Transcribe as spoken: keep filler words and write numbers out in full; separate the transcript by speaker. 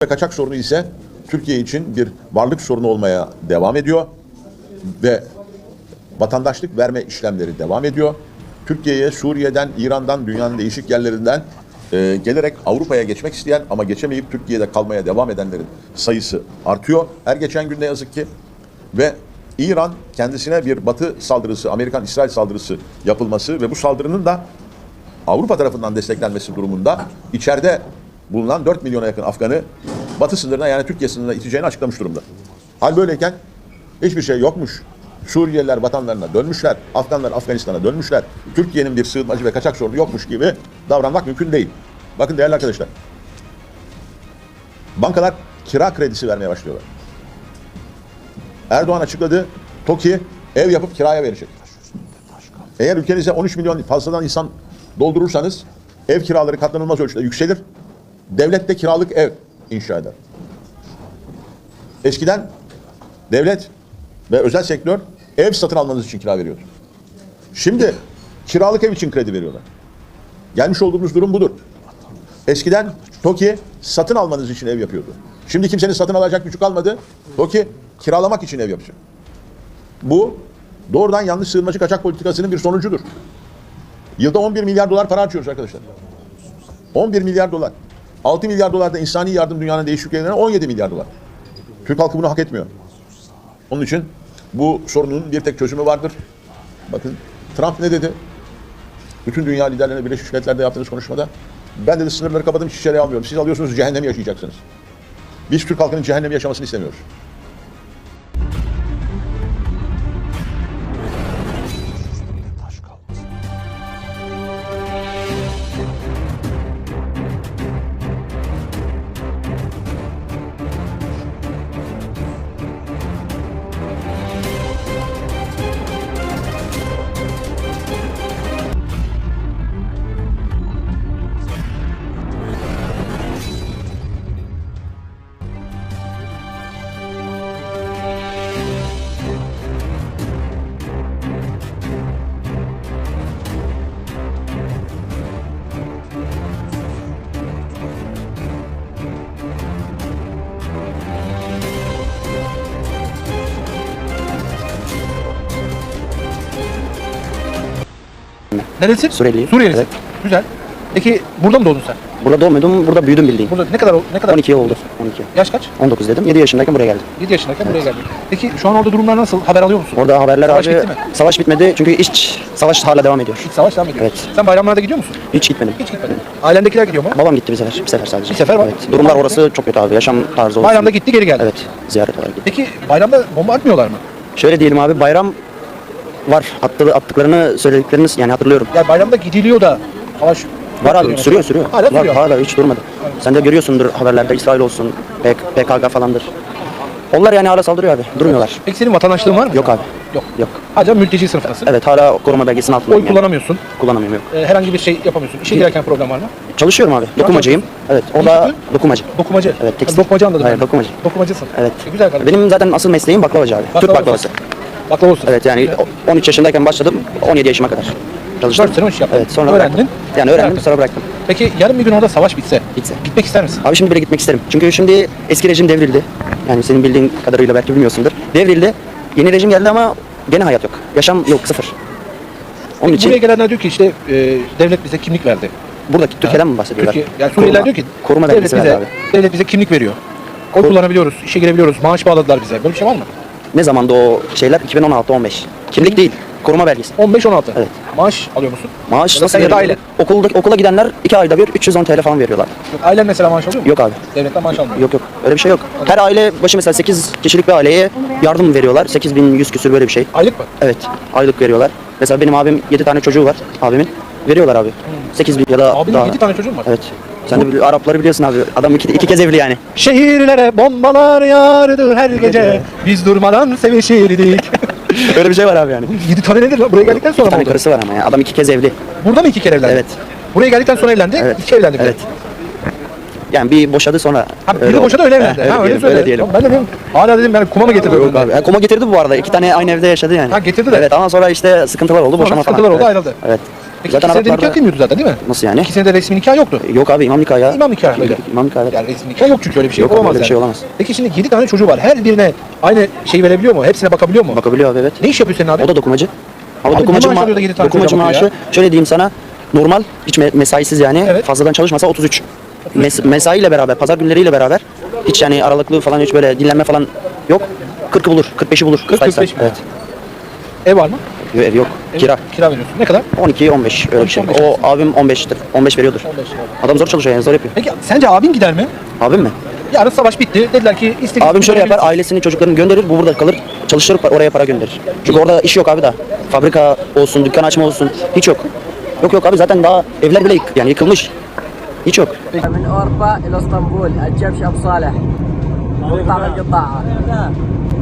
Speaker 1: Kaçak sorunu ise Türkiye için bir varlık sorunu olmaya devam ediyor ve vatandaşlık verme işlemleri devam ediyor. Türkiye'ye Suriye'den, İran'dan, dünyanın değişik yerlerinden e, gelerek Avrupa'ya geçmek isteyen ama geçemeyip Türkiye'de kalmaya devam edenlerin sayısı artıyor. Her geçen gün ne yazık ki ve İran kendisine bir Batı saldırısı, Amerikan-İsrail saldırısı yapılması ve bu saldırının da Avrupa tarafından desteklenmesi durumunda içeride bulunan dört milyona yakın Afgan'ı Batı sınırına, yani Türkiye sınırına iteceğini açıklamış durumda. Hal böyleyken hiçbir şey yokmuş. Suriyeliler vatanlarına dönmüşler, Afganlar Afganistan'a dönmüşler. Türkiye'nin bir sığınmacı ve kaçak sorunu yokmuş gibi davranmak mümkün değil. Bakın değerli arkadaşlar, bankalar kira kredisi vermeye başlıyorlar. Erdoğan açıkladı, TOKİ ev yapıp kiraya verecek. Eğer ülkenize on üç milyon fazladan insan doldurursanız ev kiraları katlanılmaz ölçüde yükselir. Devlet de kiralık ev inşa eder. Eskiden devlet ve özel sektör ev satın almanız için kira veriyordu. Şimdi kiralık ev için kredi veriyorlar. Gelmiş olduğumuz durum budur. Eskiden TOKİ satın almanız için ev yapıyordu. Şimdi kimsenin satın alacak gücü kalmadı. TOKİ kiralamak için ev yapacak. Bu doğrudan yanlış sığınmacı kaçak politikasının bir sonucudur. Yılda on bir milyar dolar para harcıyoruz arkadaşlar. on bir milyar dolar. altı milyar dolar da insani yardım dünyanın değişik ülkelerine, on yedi milyar dolar. Türk halkı bunu hak etmiyor. Onun için bu sorunun bir tek çözümü vardır. Bakın Trump ne dedi? Bütün dünya liderlerine Birleşmiş Milletler'de yaptığınız konuşmada, ben dedi sınırları kapadım, hiç içeriye almıyorum. Siz alıyorsunuz, cehennemi yaşayacaksınız. Biz Türk halkının cehennemi yaşamasını istemiyoruz.
Speaker 2: Neresi?
Speaker 3: Suriyeliyim.
Speaker 2: Suriyelisin.
Speaker 3: Evet.
Speaker 2: Güzel. Peki burada mı doğdun sen?
Speaker 3: Burada doğmadım, burada büyüdüm bildiğin.
Speaker 2: Burada ne kadar ne kadar?
Speaker 3: on iki yıl oldu. on iki.
Speaker 2: Yaş kaç?
Speaker 3: on dokuz dedim. yedi yaşındayken buraya geldim.
Speaker 2: yedi yaşındayken buraya geldin. Peki şu an orada durumlar nasıl? Haber alıyor musun?
Speaker 3: Orada haberler
Speaker 2: Savaş
Speaker 3: abi,
Speaker 2: bitti mi?
Speaker 3: savaş bitmedi çünkü iç savaş hala devam ediyor.
Speaker 2: İç savaş devam ediyor.
Speaker 3: Evet.
Speaker 2: Sen bayramlarda gidiyor musun?
Speaker 3: Hiç gitmedim.
Speaker 2: Hiç gitmedin. Ailendekiler gidiyor mu?
Speaker 3: Babam gitti bir sefer, bir sefer sadece.
Speaker 2: Bir sefer var.
Speaker 3: Evet. Durumlar orası çok kötü abi. Yaşam tarzı olsun.
Speaker 2: Bayramda gitti, geri geldi.
Speaker 3: Evet. Ziyaret olarak gitti.
Speaker 2: Peki bayramda bomba atmıyorlar mı?
Speaker 3: Şöyle diyelim abi, bayram var. Attı, attıklarını, söylediklerini yani hatırlıyorum.
Speaker 2: Ya bayramda gidiliyor da savaş
Speaker 3: Var abi, sürüyor sürüyor.
Speaker 2: Hala
Speaker 3: var,
Speaker 2: sürüyor.
Speaker 3: hala hiç durmadı. Sen de görüyorsundur haberlerde, İsrail olsun, P K K falandır. Onlar yani hala saldırıyor abi. Durmuyorlar.
Speaker 2: Peki senin vatandaşlığın var mı?
Speaker 3: Yok abi.
Speaker 2: Yok.
Speaker 3: Yok.
Speaker 2: Hala mülteci sınıftasın.
Speaker 3: Evet, hala koruma belgesinin altındayım.
Speaker 2: Oy
Speaker 3: yani.
Speaker 2: kullanamıyorsun.
Speaker 3: Kullanamıyorum, yok.
Speaker 2: Ee, herhangi bir şey yapamıyorsun. İşe girerken problem var mı?
Speaker 3: Çalışıyorum abi. Dokumacıyım. Evet. O
Speaker 2: Ne
Speaker 3: da
Speaker 2: yapıyorsun?
Speaker 3: dokumacı.
Speaker 2: Dokumacı.
Speaker 3: Evet,
Speaker 2: Ha,
Speaker 3: tekstil.
Speaker 2: Dokumacı anladım.
Speaker 3: Hayır,
Speaker 2: ben.
Speaker 3: dokumacı.
Speaker 2: Dokumacısın.
Speaker 3: Evet.
Speaker 2: E, güzel kardeşim.
Speaker 3: Benim zaten asıl mesleğim baklavacı abi. Türk baklavası.
Speaker 2: Baklava olsun.
Speaker 3: Evet, yani on üç yaşındayken başladım. on yedi yaşıma kadar çalıştım.
Speaker 2: dört sene o iş yaptın.
Speaker 3: Evet, sonra
Speaker 2: Öğrendin.
Speaker 3: bıraktım. Yani öğrendim,
Speaker 2: Bıraktın.
Speaker 3: sonra bıraktım.
Speaker 2: Peki yarın bir gün orada savaş bitse,
Speaker 3: Bitse.
Speaker 2: gitmek ister misin?
Speaker 3: Abi şimdi bile gitmek isterim. Çünkü şimdi eski rejim devrildi. Yani senin bildiğin kadarıyla belki bilmiyorsundur. Devrildi. Yeni rejim geldi ama gene hayat yok. Yaşam yok, sıfır. Onun
Speaker 2: Peki
Speaker 3: için
Speaker 2: buraya gelenler diyor ki işte e, devlet bize kimlik verdi.
Speaker 3: buradaki Türkiye'den mi bahsediyorlar?
Speaker 2: Türkiye, yani Suriyeliler diyor ki
Speaker 3: koruma
Speaker 2: devlet
Speaker 3: belgesi
Speaker 2: bize,
Speaker 3: verdi abi.
Speaker 2: devlet bize kimlik veriyor. Oy
Speaker 3: Kor-
Speaker 2: kullanabiliyoruz, işe girebiliyoruz, maaş bağladılar bize. Böyle bir şey var mı?
Speaker 3: Ne zamanda o şeyler? iki bin on altı on beş. Kimlik değil, koruma belgesi.
Speaker 2: on beş on altı.
Speaker 3: Evet.
Speaker 2: Maaş alıyor musun?
Speaker 3: Maaş
Speaker 2: Ya da
Speaker 3: nasıl
Speaker 2: sen ya da
Speaker 3: veriyor?
Speaker 2: aile.
Speaker 3: Okulda, okula gidenler iki ayda bir üç yüz on T L falan veriyorlar.
Speaker 2: Yok, ailen mesela maaş alıyor mu?
Speaker 3: Yok abi.
Speaker 2: Devletten maaş almıyor.
Speaker 3: Yok yok, öyle bir şey yok. Her aile başı mesela sekiz kişilik bir aileye yardım veriyorlar. sekiz bin yüz küsür böyle bir şey.
Speaker 2: Aylık mı?
Speaker 3: Evet, aylık veriyorlar. Mesela benim abim yedi tane çocuğu var, abimin. Veriyorlar abi. sekiz bin ya da
Speaker 2: Abinin
Speaker 3: daha.
Speaker 2: yedi tane çocuğun var.
Speaker 3: Evet. Sen de bili- Arapları biliyorsun abi. Adam iki, iki kez evli yani.
Speaker 2: Şehirlere bombalar yağardı her gece. Biz durmadan sevişirdik.
Speaker 3: Öyle bir şey var abi yani.
Speaker 2: yedi tane nedir lan? Buraya geldikten sonra
Speaker 3: Bir
Speaker 2: mı
Speaker 3: tane
Speaker 2: oldu?
Speaker 3: karısı var ama ya. Adam iki kez evli.
Speaker 2: Burada mı iki kere evlendi?
Speaker 3: Evet.
Speaker 2: Buraya geldikten sonra evlendi,
Speaker 3: Evet.
Speaker 2: iki evlendi. bir de.
Speaker 3: Evet. Yani bir boşadı sonra.
Speaker 2: Ha,
Speaker 3: öyle
Speaker 2: biri
Speaker 3: oldu.
Speaker 2: boşadı öyle evlendi.
Speaker 3: Heh,
Speaker 2: ha, öyle
Speaker 3: diyelim,
Speaker 2: söyle.
Speaker 3: öyle diyelim.
Speaker 2: Ben de dedim, hala dedim yani kuma mı getirdi?
Speaker 3: Yok abi. Ha, koma getirdi bu arada. İki tane aynı evde yaşadı yani.
Speaker 2: Ha, getirdi de.
Speaker 3: Evet, ama sonra işte sıkıntılar oldu.
Speaker 2: Sonra
Speaker 3: Boşama falan.
Speaker 2: sıkıntılar oldu,
Speaker 3: Evet.
Speaker 2: ayrıldı.
Speaker 3: Evet.
Speaker 2: Peki
Speaker 3: Zaten
Speaker 2: iki senede
Speaker 3: Araplarda...
Speaker 2: nikah kıymıyordu zaten değil mi?
Speaker 3: Nasıl yani?
Speaker 2: İki senede resmi nikah yoktu.
Speaker 3: Yok abi imam nikahı ya.
Speaker 2: İmam nikahıyla.
Speaker 3: İmam nikahı evet.
Speaker 2: Yani resmi nikah yok çünkü öyle bir şey
Speaker 3: Yok abi,
Speaker 2: olamaz
Speaker 3: öyle bir
Speaker 2: yani.
Speaker 3: şey olamaz.
Speaker 2: Peki şimdi yedi tane çocuğu var. Her birine aynı şeyi verebiliyor mu? Hepsine bakabiliyor mu?
Speaker 3: Bakabiliyor abi evet.
Speaker 2: Ne iş yapıyor senin abi?
Speaker 3: O da dokumacı. Ama
Speaker 2: Abi
Speaker 3: dokumacı,
Speaker 2: ne maaş
Speaker 3: ma-
Speaker 2: alıyor da yedi tane
Speaker 3: dokumacı
Speaker 2: çocuğa bakıyor
Speaker 3: maaşı şöyle diyeyim sana normal hiç me- mesaisiz yani
Speaker 2: Evet.
Speaker 3: fazladan çalışmasa otuz üç. Mes- mesaiyle beraber pazar günleriyle beraber hiç yani aralıklı falan hiç böyle dinlenme falan yok. kırkı bulur, kırk beşi bulur.
Speaker 2: kırk kırk beş mi?
Speaker 3: Evet.
Speaker 2: Ev var mı?
Speaker 3: Yok, ev yok.
Speaker 2: Ev-
Speaker 3: Kira.
Speaker 2: Kira veriyorsun. Ne kadar?
Speaker 3: on iki on beş öyle bir şey.
Speaker 2: on beş
Speaker 3: O abim on beştir. on beş veriyordur.
Speaker 2: on beş lira.
Speaker 3: Adam zor çalışıyor yani zor yapıyor.
Speaker 2: Peki sence abin gider mi?
Speaker 3: Abim mi?
Speaker 2: Yarın savaş bitti. Dediler ki istediğiniz
Speaker 3: Abim şöyle
Speaker 2: gibi
Speaker 3: yapar, ailesini, çocuklarını gönderir, bu burada kalır, çalıştırır, oraya para gönderir. Çünkü orada iş yok abi daha. Fabrika olsun, dükkan açma olsun, hiç yok. Yok yok abi zaten daha evler bile yık, yani yıkılmış. Hiç yok.
Speaker 4: من أوروبا إلى اسطنبول الجبش أبو صالح مقطع من القطاع